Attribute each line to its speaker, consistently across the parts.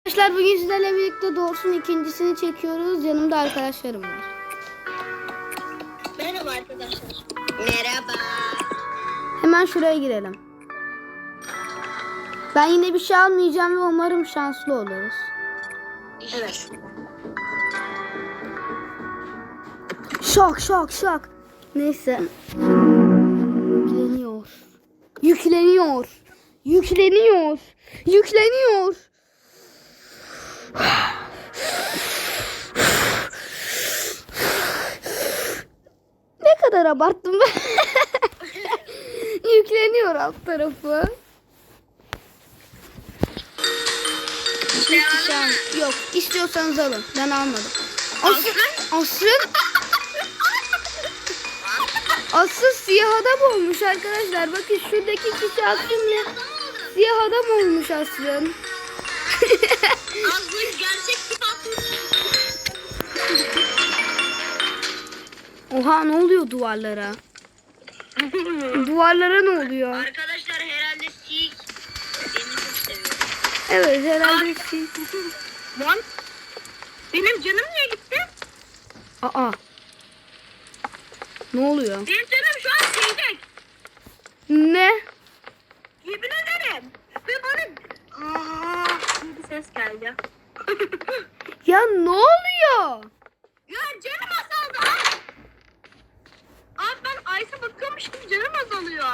Speaker 1: Arkadaşlar bugün sizlerle birlikte Doğrusu'nun ikincisini çekiyoruz. Yanımda arkadaşlarım var.
Speaker 2: Merhaba arkadaşlar. Merhaba.
Speaker 1: Hemen şuraya girelim. Ben yine bir şey almayacağım ve umarım şanslı oluruz.
Speaker 2: Evet.
Speaker 1: Şok. Neyse. Yükleniyor. Ne kadar abarttım ben. Yükleniyor alt tarafı. Yok, istiyorsanız alın. Ben almadım. Asıl siyah adam olmuş arkadaşlar. Bakın şuradaki kişi aslında siyah adam olmuş aslında.
Speaker 2: Aslında gerçek kitap.
Speaker 1: Oha, ne oluyor duvarlara? Duvarlara ne oluyor?
Speaker 2: Arkadaşlar herhalde Sik beni çok seviyor.
Speaker 1: Evet, herhalde
Speaker 2: Lan benim canım niye gitti?
Speaker 1: Aa. Ne oluyor?
Speaker 2: Benim canım şu an şeyde.
Speaker 1: Ne?
Speaker 2: Yemin ederim. Ve bana bir ses geldi.
Speaker 1: Ya ne oluyor?
Speaker 2: Ya canım azaldı abi. Abi ben Ayşe bakıyormuş gibi canım azalıyor.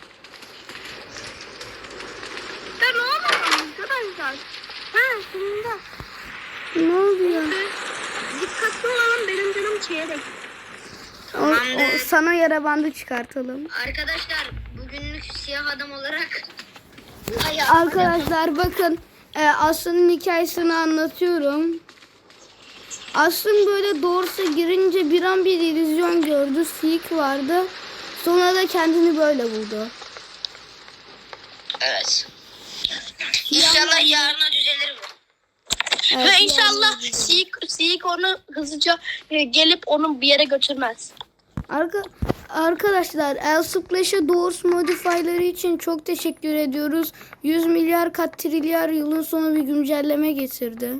Speaker 2: Ya ne oluyor arkadaşlar? Sonunda.
Speaker 1: Ne oluyor?
Speaker 2: Dikkatli olalım, benim canım çeyrek.
Speaker 1: O sana yara bandı çıkartalım.
Speaker 2: Arkadaşlar bugünlük siyah adam olarak
Speaker 1: Arkadaşlar bakın, Aslı'nın hikayesini anlatıyorum. Aslı böyle doğrusu girince bir an bir illüzyon gördü. Sik vardı. Sonra da kendini böyle buldu.
Speaker 2: Evet. İnşallah yarına düzelir bu.
Speaker 1: Evet,
Speaker 2: Ve inşallah Sik onu hızlıca gelip onu bir yere götürmez.
Speaker 1: Arkadaşlar El Splash'a Doors modifyları için çok teşekkür ediyoruz. 100 milyar kat trilyar yılın sonu bir güncelleme getirdi.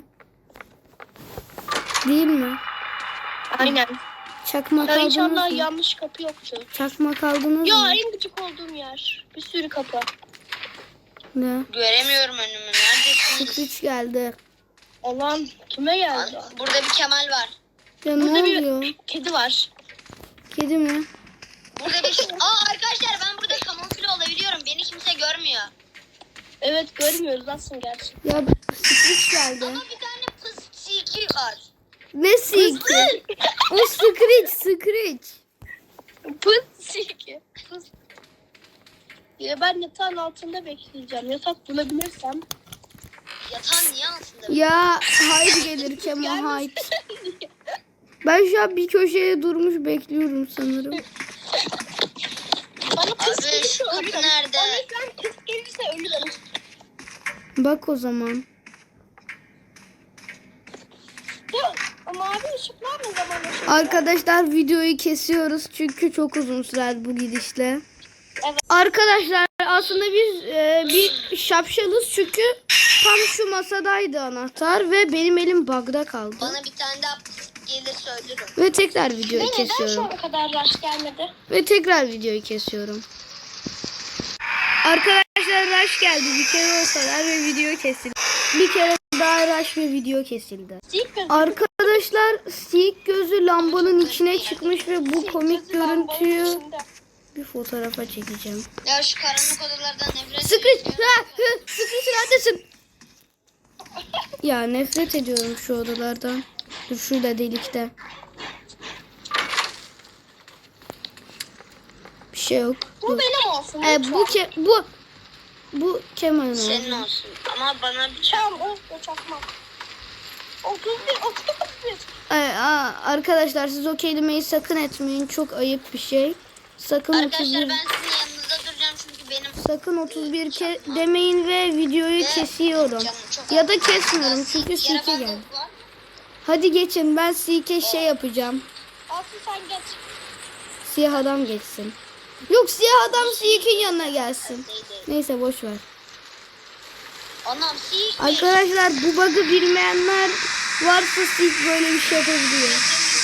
Speaker 1: Değil mi?
Speaker 2: Aynen.
Speaker 1: Çakmak
Speaker 2: Ya
Speaker 1: aldınız
Speaker 2: inşallah
Speaker 1: mı?
Speaker 2: yanlış kapı yoktu.
Speaker 1: Çakmak aldınız
Speaker 2: Ya
Speaker 1: mı?
Speaker 2: en gıcık olduğum yer. Bir sürü kapı.
Speaker 1: Ne?
Speaker 2: Göremiyorum önümü. Neredesin?
Speaker 1: Screech geldi.
Speaker 2: Allah'ım kime geldi? Burada bir Kemal var.
Speaker 1: Ya ne
Speaker 2: Burada
Speaker 1: oluyor?
Speaker 2: bir kedi var.
Speaker 1: Kedi mi?
Speaker 2: Burada bir... arkadaşlar ben burada kamufle olabiliyorum. Beni kimse görmüyor. Evet görmüyoruz aslında gerçi.
Speaker 1: Ya Screech geldi.
Speaker 2: Ama bir tane pıs siki var.
Speaker 1: Ne siki? O Screech.
Speaker 2: Pıs siki. Pıs. Ya ben yatağın altında bekleyeceğim. Yatak bulabilirsem. Yatağın niye altında?
Speaker 1: Ya Hyde gelir Kemal Hyde. Ben şu an bir köşeye durmuş bekliyorum sanırım.
Speaker 2: Bana pıs gelirse ölürüm. Nerede? Bana pıs gelirse ölürüm.
Speaker 1: Bak o zaman.
Speaker 2: Mavi ışıklar ne zaman ışık?
Speaker 1: Arkadaşlar videoyu kesiyoruz çünkü çok uzun sürer bu gidişle.
Speaker 2: Evet.
Speaker 1: Arkadaşlar aslında biz bir şapşalız çünkü tam şu masadaydı anahtar ve benim elim bug'da kaldı.
Speaker 2: Bana bir tane daha gelirse ölürüm.
Speaker 1: Ve tekrar videoyu
Speaker 2: Neden şu
Speaker 1: kesiyorum.
Speaker 2: ana kadar rush gelmedi?
Speaker 1: Ve tekrar videoyu kesiyorum. Arkadaşlar rush geldi bir kere o kadar ve video kesildi. Bir kere daha rush ve video kesildi. Arkadaşlar siyik gözü lambanın içine çıkmış ve bu komik görüntüyü bir fotoğrafa çekeceğim.
Speaker 2: Ya şu karanlık odalardan nefret
Speaker 1: Screech neredesin? Ya nefret ediyorum şu odalardan. Dur şurada delikte. Bir şey yok.
Speaker 2: Bu benim olsun.
Speaker 1: Bu Kemal'in
Speaker 2: Senin
Speaker 1: oldu.
Speaker 2: olsun. Ama bana bir çam o çakma. 31.
Speaker 1: Arkadaşlar siz o kelimeyi sakın etmeyin. Çok ayıp bir şey. Sakın
Speaker 2: Arkadaşlar
Speaker 1: 31
Speaker 2: ben sizin yanınızda duracağım çünkü benim
Speaker 1: sakın 31 demeyin ve videoyu kesiyorum.
Speaker 2: canım çok
Speaker 1: Ya da kesmiyorum çünkü Sike geldi. Hadi geçin, ben Sike şey yapacağım.
Speaker 2: Aslı sen geç.
Speaker 1: Siyah adam geçsin. Yok, siyah adam Sike'in yanına gelsin. Neyse boş ver.
Speaker 2: Anam sik.
Speaker 1: Arkadaşlar bu bug'ı bilmeyenler varsa Seek böyle bir şey yapabiliyor.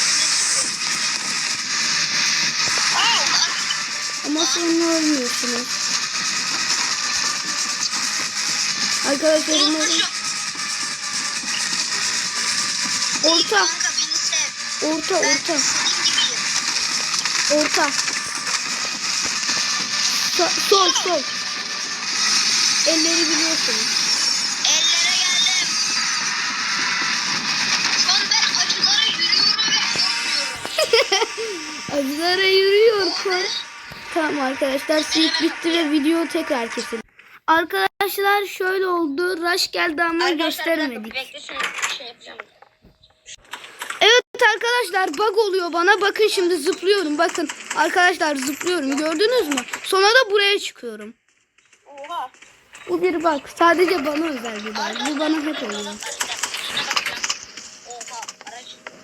Speaker 1: Ama sonra ölmüyorsunuz. Arkadaşlar umarım... Orta.
Speaker 2: Kanka beni sev.
Speaker 1: Orta,
Speaker 2: Ben
Speaker 1: orta.
Speaker 2: senin gibiyim.
Speaker 1: Orta. Sol, sol. Elleri biliyorsunuz.
Speaker 2: Ellere geldim. Şu an ben acılara yürüyorum ve korkmuyorum.
Speaker 1: Acılara yürüyor kor. Tamam arkadaşlar Seek bitti ve video tekrar kesildi. Arkadaşlar şöyle oldu. Rush geldi ama gösteremedik.
Speaker 2: Bekle şunu şey yapacağım.
Speaker 1: Evet arkadaşlar bug oluyor bana. Bakın şimdi zıplıyorum. Bakın arkadaşlar zıplıyorum. Gördünüz mü? Sonra da buraya çıkıyorum.
Speaker 2: Oha.
Speaker 1: Bu bir bug. Sadece bana özel bir bug. Bu bana hep oluyor.
Speaker 2: Oha. Araç.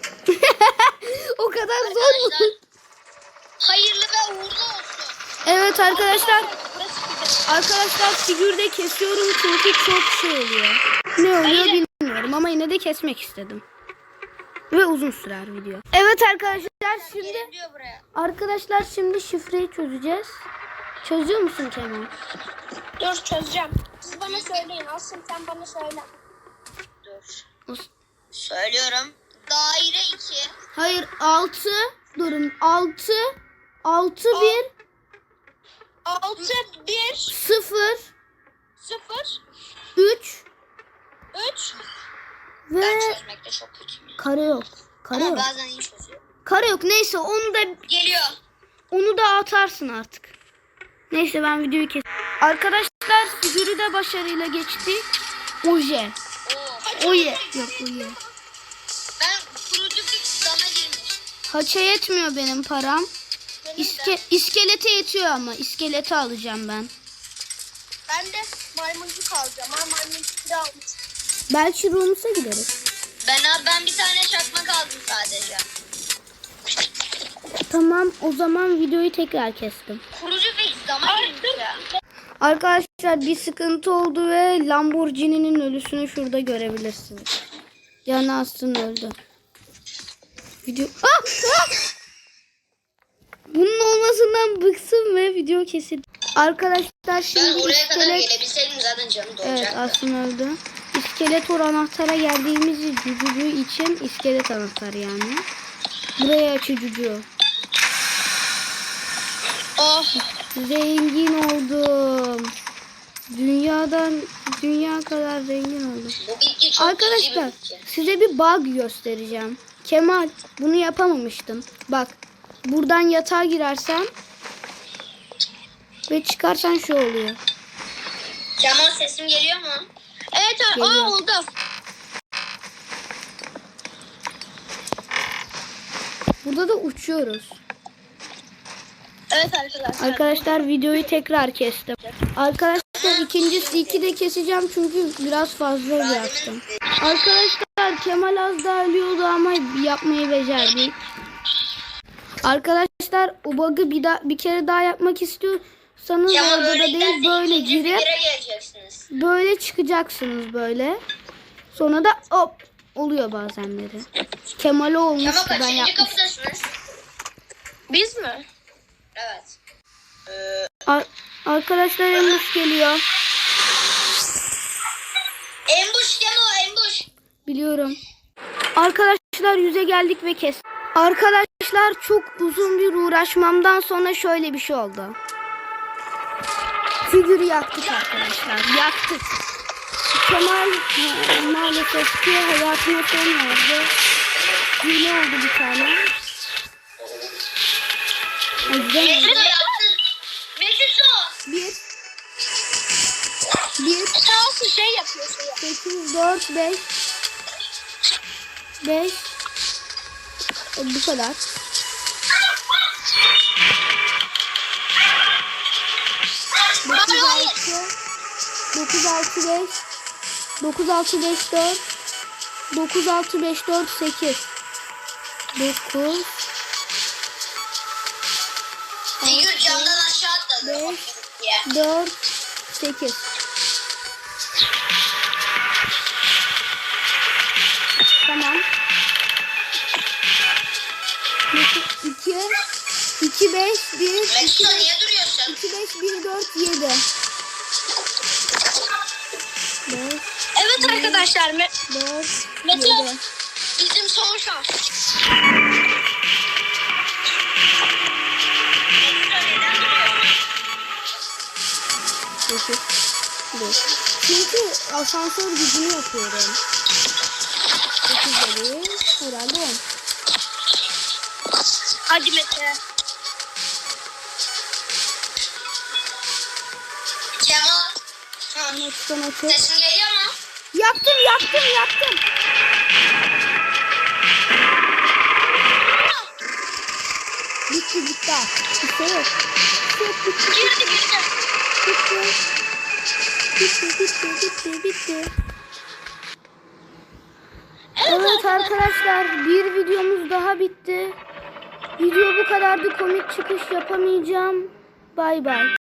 Speaker 1: O kadar zor mu?
Speaker 2: Hayırlı ve uğurlu olsun.
Speaker 1: Evet arkadaşlar.
Speaker 2: Burası
Speaker 1: Arkadaşlar figürde kesiyorum çünkü çok şey oluyor. Ne oluyor bilmiyorum ama yine de kesmek istedim. Ve uzun sürer video. Evet arkadaşlar şimdi
Speaker 2: geliyor buraya.
Speaker 1: arkadaşlar şimdi şifreyi çözeceğiz. Çözüyor musun Kemal?
Speaker 3: Dur çözeceğim. Siz bana söyleyin. Asım sen bana söyle.
Speaker 2: Dur. Söylüyorum. Daire 2.
Speaker 1: Hayır 6 durun 6 6 1
Speaker 3: 6, 1,
Speaker 1: 0
Speaker 3: 0,
Speaker 1: 3
Speaker 3: 3.
Speaker 1: ve
Speaker 2: Ben çözmekte çok kötüyüm ya.
Speaker 1: kare yok. Kare
Speaker 2: Ama
Speaker 1: yok.
Speaker 2: bazen iyi çözüyorum.
Speaker 1: Kare yok. Neyse
Speaker 2: Geliyor.
Speaker 1: onu da atarsın artık. Neyse ben videoyu kes. Arkadaşlar figürü de başarıyla geçti. Oje.
Speaker 2: Oo.
Speaker 1: Oje. Yok oje.
Speaker 2: Ben kurucu bir dama girmiş.
Speaker 1: Haça yetmiyor benim param. İskelete yetiyor ama. İskeleti alacağım ben.
Speaker 3: Ben de maymuncuk alacağım. Ha maymuncuk da almış.
Speaker 1: Belki Rums'a gideriz.
Speaker 2: Ben bir tane çakmak aldım sadece.
Speaker 1: Tamam o zaman videoyu tekrar kestim.
Speaker 2: Kurucu bir dama girmiş ya.
Speaker 1: Arkadaşlar bir sıkıntı oldu ve Lamborghini'nin ölüsünü şurada görebilirsiniz. Yani aslında öldü. Video... Ah! Ah! Bunun olmasından bıksın ve video kesildi. Arkadaşlar
Speaker 2: Ben
Speaker 1: şimdi
Speaker 2: oraya kadar
Speaker 1: iskelet...
Speaker 2: gelebilseydim zaten canım
Speaker 1: Evet
Speaker 2: dolacaktı.
Speaker 1: aslında öldü. İskeletor anahtara geldiğimiz cücücü için iskelet anahtarı yani. Buraya açıcıcı.
Speaker 2: Oh.
Speaker 1: Zengin oldum. Dünya kadar zengin oldum.
Speaker 2: Bu bitki çok
Speaker 1: Arkadaşlar
Speaker 2: cici bir bitki.
Speaker 1: size bir bug göstereceğim. Kemal bunu yapamamıştım. Bak buradan yatağa girersen ve çıkarsan şu oluyor.
Speaker 2: Kemal sesim geliyor mu?
Speaker 3: Evet
Speaker 1: Geliyor.
Speaker 3: oldu.
Speaker 1: Burada da uçuyoruz.
Speaker 3: Evet arkadaşlar.
Speaker 1: Arkadaşlar videoyu tekrar kestim. Arkadaşlar ikincisi 2 de keseceğim çünkü biraz fazla bıraktım. Arkadaşlar Kemal az daha ölüyordu ama yapmayı becerdik. Arkadaşlar o bug'ı bir kere daha yapmak istiyorsanız
Speaker 2: Kemal
Speaker 1: orada da
Speaker 2: öyle
Speaker 1: değil
Speaker 2: giderse
Speaker 1: böyle
Speaker 2: ikinci
Speaker 1: girip
Speaker 2: figüre geleceksiniz.
Speaker 1: böyle çıkacaksınız böyle. Sonra da hop oluyor bazenleri. Kemal'e olmuştu
Speaker 2: Kemal
Speaker 1: ben
Speaker 2: kaçıncı
Speaker 1: yapmıştım.
Speaker 2: kapıdasınız?
Speaker 3: Biz mi?
Speaker 2: Evet.
Speaker 1: Arkadaşlar Embuş geliyor.
Speaker 2: Embuş Kemal embuş.
Speaker 1: Biliyorum. Arkadaşlar yüze geldik ve kes. Arkadaşlar çok uzun bir uğraşmamdan sonra şöyle bir şey oldu. Figürü yaktık arkadaşlar. Yaktık. Kemal maalesef ki hayatına son verdi. Hile oldu bir tane.
Speaker 2: Mesut yaptın. Mesut.
Speaker 1: Bir,
Speaker 3: Sağ olsun şey yapıyor.
Speaker 1: 8, 4, 5. 5. Bu kadar. 9, 6, 5. 9, 6, 5, 4. 9, 6, 5, 4, 8. 9.
Speaker 2: Figür camdan aşağı atladı.
Speaker 1: 5, 4, 8. 2 5 1 2
Speaker 2: Mesut niye duruyorsun?
Speaker 1: 2 5 1 4 7. 4
Speaker 2: Evet arkadaşlar
Speaker 1: 4
Speaker 2: Mesut
Speaker 1: 7.
Speaker 2: bizim son şans.
Speaker 1: Çünkü asansör gücünü yapıyorum. 9 dedi. Herhalde 10.
Speaker 2: Hadi Mete. Kemal.
Speaker 1: Açıktan açık.
Speaker 2: Sesin geliyor mu?
Speaker 1: Yaptım. Bitti. Bir şey yok. Bitti. Evet arkadaşlar, bir videomuz daha bitti. Video bu kadardı, komik çıkış yapamayacağım. Bay bay.